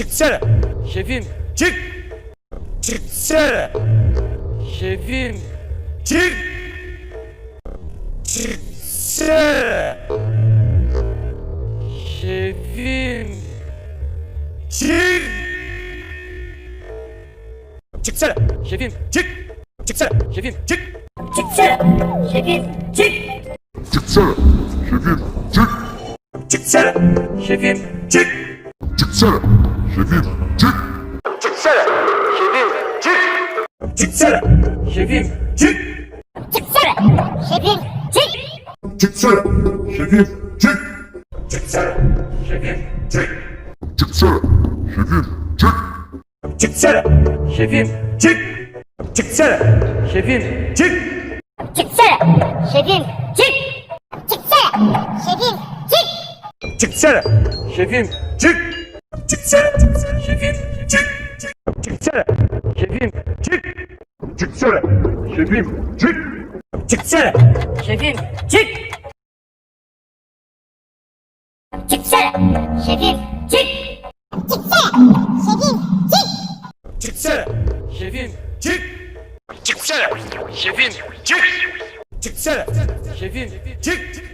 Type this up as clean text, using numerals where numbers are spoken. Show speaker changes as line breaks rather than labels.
Çıksana.
Şefim,
Çık. Çıksana.
şefim,
Çık. Çıksana.
şefim,
Çık. Çıksana.
şefim,
Çık. Çıksana.
şefim,
Çık.
Çıksana. Şefim, çık.
Çıksana. Şefim çık.
Çıksana.
şefim,
Çık.
Çıksana. Şefim çık.
Çıksana.
şefim,
Çıksana.
şefim,
Çık.
Çıksana. Şefim, çık.
Çıksana. Şefim çık.
Çıksana. Şefim. Çık.
Çıksana. Şefim çık.
Çıksana.
şefim,
Çık. Çıksana.
şefim,
Çık.
Çıksana. Şefim, çık. Çıksana. Şefim, çık.
Çıksana.
şefim,
Çık. Çıksana.
şefim,
Çık. Çıksana.
şefim,
Çık.
Çıksana. Şefim çık.
Çıksana.
şefim, çık.
Çıksana. Şefim, çık. Çıksana. Şefim, çık.
Çıksana.
Şefim,
Çık. Çıksana.
şefim,
Çık. Çıksana.
şefim,
Çık.